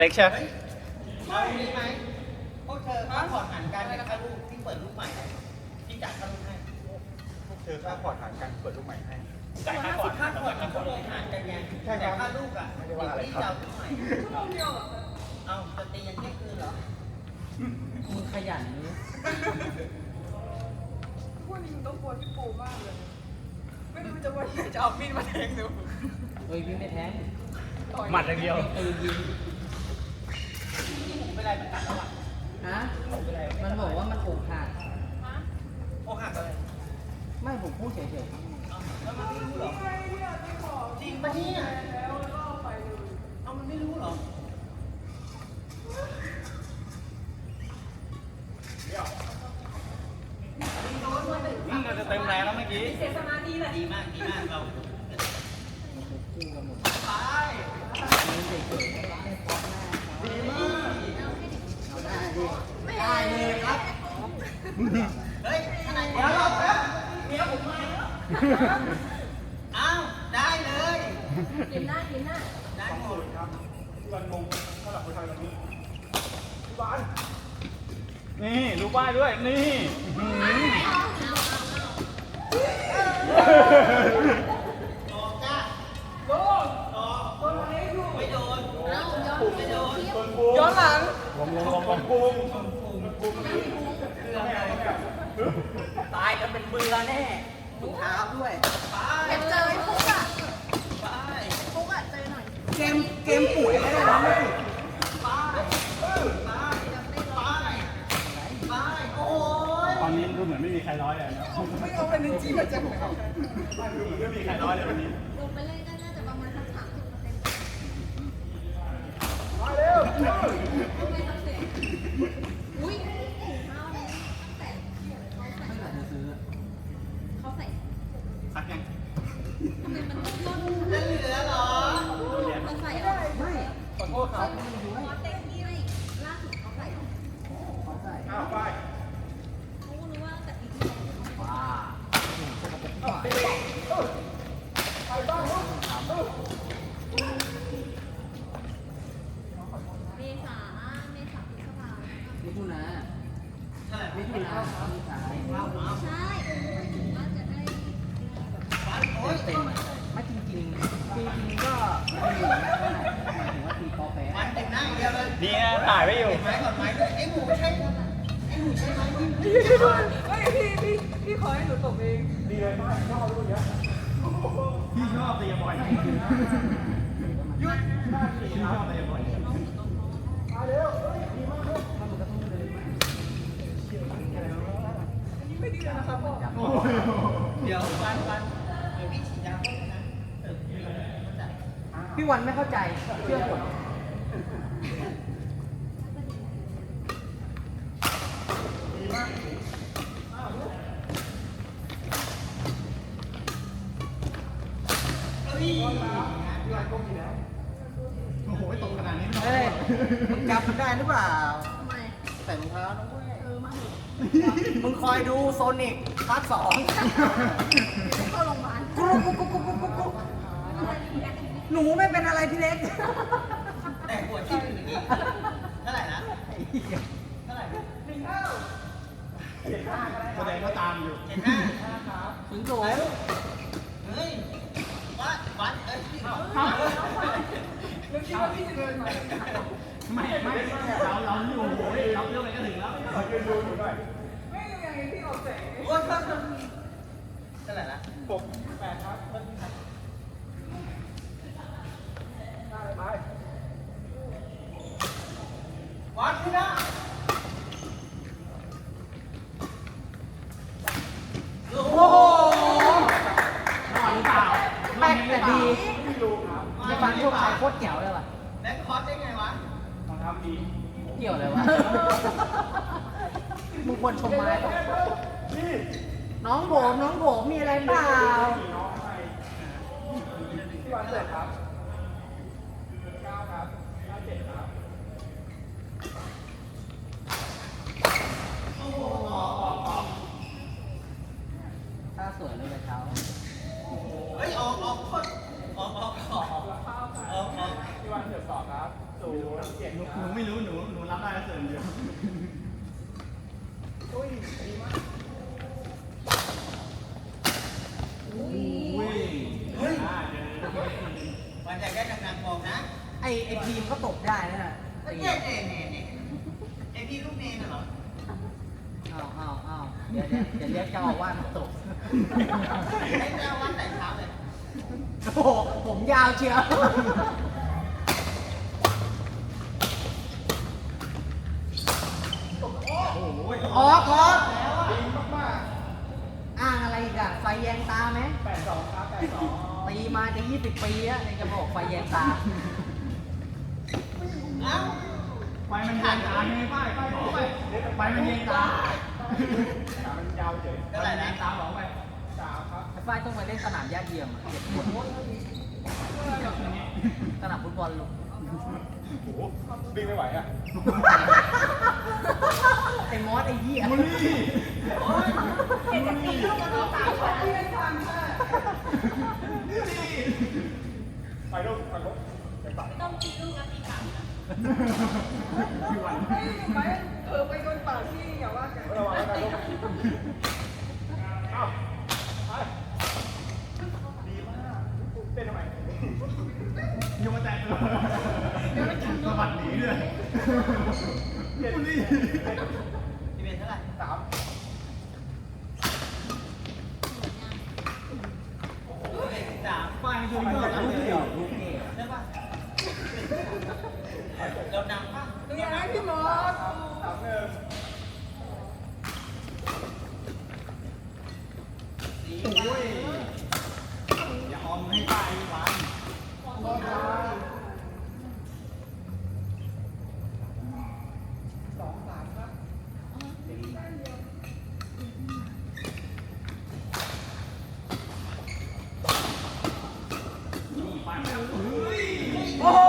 เล็กใช่ไหมเอานี้ไหมพวกเธอก็ถอดหันกันในค่าลูกที่เปิดลูกใหม่ที่จ่ายค่าลูกให้พวกเธอค่าพอร์ตหารกันเปิดลูกใหม่ให้จ่ายค่าพอร์ตเขาเลยหารกันไงแต่ค่าลูกอ่ะที่จะเอาลูกใหม่เอาจะตียันเที่ยงคืนเหรอมึงขยันนี้พวกนี้มึงต้องกลัวพี่ปูมากเลยไม่รู้จะว่าจะเอามีดมาแทงดูเฮ้ยพี่ไม่แทงหมัดอย่างเดียวยิงผมเป็นไรมันกัดแล้วอ่ะฮะมันบอกว่ามันอกหักอกหักอะไรไม่ผมพูดเฉยๆแล้วมันไม่รู้เหรอจริงปะเนี่ยเอามันไม่รู้เหรอเราจะเต็มแรงแล้วเมื่อกี้เสียสมาธิแหละดีมากเราได้เลยครับเฮ้ยขนาดเดี๋ยวรอแป๊บเดี๋ยวผมมาอ้าวได้เลยกินหน้าได้หมดครับที่วันมงสำหรับคนไทยวันนี้ที่บ้านนี่รู้ป้ายด้วยนี่ออกจ้าโดนคนไหนดูไม่โดนไม่โดนย้อนหลังวงกุ้งตายกันเป็นเบื่อแน่ถุงเท้าด้วยอยากเจอไอ้ฟุกอ่ะไปฟุกอ่ะเจอหน่อยเกมป่วยไม่ได้นะไม่ไปโอ้ยตอนนี้ดูเหมือนไม่มีใครร้อยเลยนะไม่เอาเป็นจริงมาจากไหนดูเหมือนไม่มีใครร้อยเลยวันนี้ลงไปเล่นก็น่าจะประมาณสัก30% มาเร็วอุ้ยถุงเท้าเนี่ยแต่เขาใส่สักยังทำไมมันต้นจะเหลือเหรอมันใส่ไม่ขอโทษครับเต็มที่ไม่ล่าสุดเขาใส่อ้าวไปเขารู้ว่าแต่ปีที่แล้วไปบ้างเมษาพฤษภามิถุนามิถุนาใช่ว่าจะได้เต็มไม่จริงก็หมายถึงว่าตีปอแปะมันแต่งหน้าอย่างเดียวเลยนี่ถ่ายไว้อยู่ไม้ก่อนไม้ด้วยไอ้หมูใช่ไม้พี่ขอให้หนูตกเองดีเลยมากชอบลูกเนี้ยพี่ชอบตีบอลยุดพี่ชอบตีบอลมาเร็วดีมากเลยไม่ดีเลยนะครับพ่อเดี๋ยววันเดี๋ยวพี่ฉีดยาให้นะพี่วันไม่เข้าใจเชื่อผมโอ้โหตกขนาดนี้ไม่เฮ้ยมึงจำได้หรือเปล่าทำไมใส่รองเท้านะเว้ยมาเถอะมึงคอยดูโซนิกพาร์ท 2 เข้าโรงพยาบาลหนูไม่เป็นอะไรพี่เล็กแต่ปวดที่อื่นอีกเท่าไหร่นะเท่าไหร่แสดงว่าตามอยู่ 75ถึงโดนเฮ้ยวัดเอ้ยนึกคิดว่าพี่จะเดินมาไม่เราอยู่โอ้ยเราเรื่องอะไรก็ถึงแล้วยืนดูอยู่หน่อยไม่ยังไงพี่ออกแสงโอ้ยเท่าไหร่นะ 8ครับได้ไปวัดพี่นะโอ้โหหน่อยหรือเปล่าแป๊กแต่ดีไม่รู้ครับจะฟังพวกชายโคตรเจ๋วเลยว่ะแบ็คคอร์สได้ไงวะรองเท้าดีเกี่ยวเลยวะมึงควรชมไม้ป่ะนี่น้องผมมีอะไรเปล่าน้องให้ที่วันเสร็จครับ9ครับ57ครับถ้าสวยเลยเช้าเฮ้ยออกคนออกที่วันเสร็จสอบครับ0 7 หนูไม่รู้หนูรับได้แค่ส่วนเดียวอุ้ยดีมากอุ้ยเฮ้ยเจอวันใหญ่ได้ดังๆมองนะไอพีมก็ตกได้นะฮะเนี่ยไอพี่ลูกเนนเหรออ้าวเดี๋ยวเรียกเจ้าอาวาสมาตกไอ้เจ้าวัดแต่เช้าเลยโอ้โหผมยาวเชียวโอ้โหขอดีมากอ้างอะไรอีกอะไฟแยงตาไหมๆ82ครับ82 ตีมาจะ20 ปีแล้วยังจะบอกไฟแยงตาเอ้าไฟมันเย็นตาไงป้ายบอกไปไฟมันเย็นตามันยาวเฉยเท่าไหร่นะตาบอกไป 3ครับไอ้ฝ้ายต้องมาเล่นสนามหญ้าเทียมอะเจ็บปวดสนามฟุตบอลลูกโอ้โหวิ่งไม่ไหวอ่ะไอ้มอสไอ้เหี้ยบุลี่ไปลูกไปลูกไปปัดต้องกินลูกนะตีกลับพี่วันไม่ไหมไปโดนปากที่อย่าว่ากันระวังแล้วกันลูกเอ้าไปดีมากเต้นทำไมโยนแต่ตัวสะบัดหนีด้วยบุลี่ที่เป็นเท่าไหร่ 3 โอ้ย13 ป้ายมันชนก็ลูกเดี่ยวลูกเดี่ยวใช่ป่ะเรานำป่ะดูยังไงพี่มอส 3-1 โอ้ยอย่าออมให้ป้ายวัน 2-3ครับนี่ป้ายมันเฮ้ยโอ้โห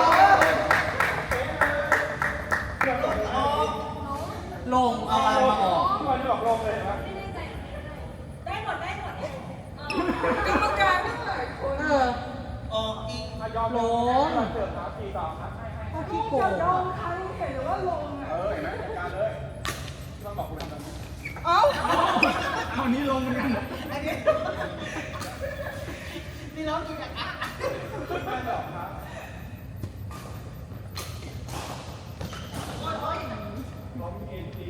เรื่องของเราลงเอาอะไรมาออกที่วันนี้บอกลงเลยนะได้หมดกรรมการทั้งหลายคนเออออกอีกยอมลงเสิร์ฟครับ4-2ครับให้เอาขี้โกงจะลอะงใครเห็นหรือว่าลงอ่ะเห็นไหมจัดการเลยที่ต้องบอกคุณทำแบบนี้เอ้าเอานี้ลงเหมือนกันอันนี้นี่น้องกินจากอ่ะไม่หรอกครับล้มเอ็นจี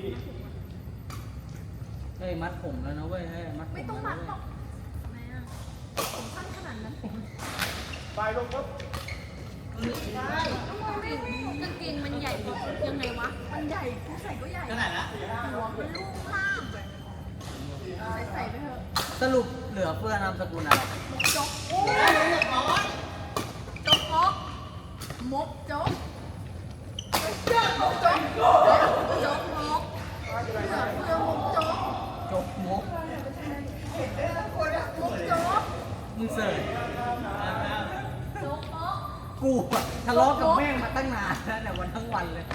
เฮ้ยมัดผมแล้วนะเว้ยเฮ้ยมัดผมไม่ต้องมัดหรอกทำไมอ่ะผมสั้นขนาดนั้นไปลงปุ๊บทำไมไม่วิ่งกางเกงมันใหญ่ยังไงวะ มันใหญ่กูใส่ก็ใหญ่เท่าไหร่ละหัวมันลูกล่างใส่ไปเถอะสรุปเหลือเฟือนามสกุลอะไรจกได้เรียบร้อยจกมกมกจกจกมกเหลือเฟือมกจกจกมกมกจกมึงเสิร์ชจกมกกูอะทะเลาะกับแม่งมาตั้งนานแล้วเนี่ยวันทั้งวันเลย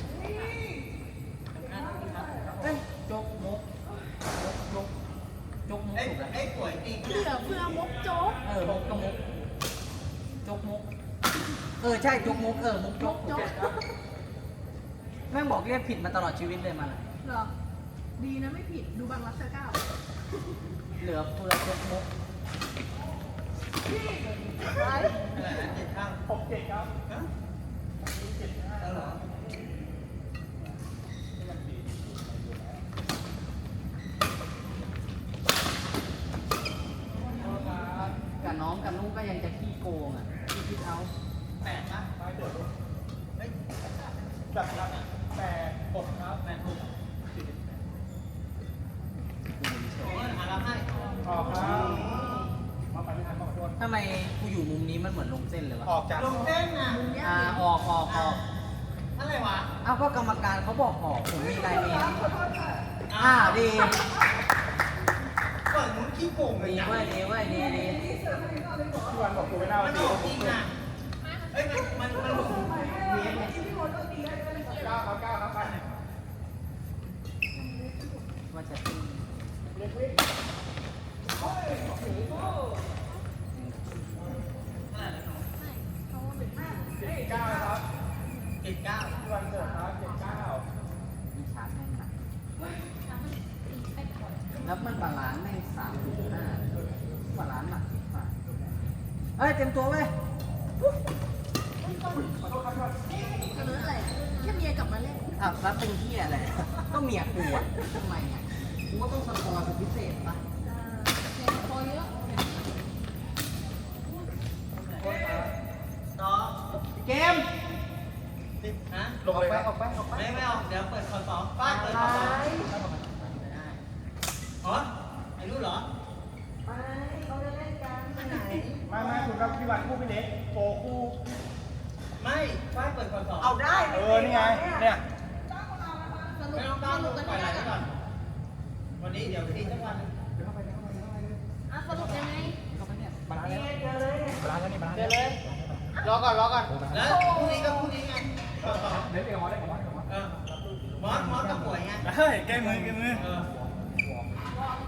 เอ้ยจกมกจกจกมกไอ้ถูกแล้วไอ้ป่วยจริงเหลือเฟือมกจกเออมกก็มกจกมกใช่จกมกมกจกจกแม่งบอกเรียกผิดมาตลอดชีวิตเลยมันอะเหรอ ดีนะไม่ผิด ดูบางรักเก้าเหลือเฟือจกมกไรเท่าไหร่นะ7 ข้าง 6-7ครับฮะเอาเหรอกับน้องกับลูกก็ยังจะขี้โกงอ่ะขี้คิดเอา 8ป่ะไปเดี๋ยวเฮ้ยจัดครับ8-6ครับ 8 6โอ้ยหารับให้ออกครับมาไปไม่ทันขอโทษทำไมกูอยู่มุมนี้มันเหมือนลงเส้นเลยวะออกจากลงเส้นน่ะออกอะไรวะเอ้าก็กรรมการเขาบอกออกผมมีลายเมนอ้าวดีก่อนมุ้นขี้โกงเลยดีนะเว้ยดีเว้ยดีที่วันบอกกูไม่น่ามัมาน ตีออกจริงน่ะเอ้ยมันหลุดเวียนเนี่ย 9ครับ9ครับไปว่าจะตีเล็กวิ่งเท่าไหร่นะน้องไม่เขาว่าเป็น 9ครับ 79 พี่วันเกิดครับ79 มีชาร์จแม่งหนักแล้วมันบาลานซ์แม่ง3.5บาลานซ์หนักมากเฮ้ยเต็มตัวเว้ยจะรู้อะไรแค่เมียกลับมาเล่นอ้าวแล้วเป็นที่อะไรก็เมียกูอ่ะทำไมอ่ะกูก็ต้องสกอร์เป็นพิเศษปะเมียพอเยอะต่อเกมฮะลงเลยครับไม่เอาเดี๋ยวเปิดคอสองป้าเปิดคอสองไม่ได้อ๋อไอ้รู้เหรอไม่คุณครับพี่วันคู่พี่เล็กโปคู่ไม่ป้าเปิดคอสองเอาได้นี่ไงเนี่ยสรุปไม่ต้องสตั้งรุปกันปล่อยไหลยังไงไปก่อนวันนี้เดี๋ยวทีสักวันอ่ะสรุปยังไงบาลานซ์แล้วนี่บาลานซ์เดี๋ยวเลย รอก่อนแล้วพรุ่งนี้ก็พรุ่งนี้ไงคอสองเล็กเองมอสมอสเออมอสก็ป่วยไงเฮ้ยแก้มือเออ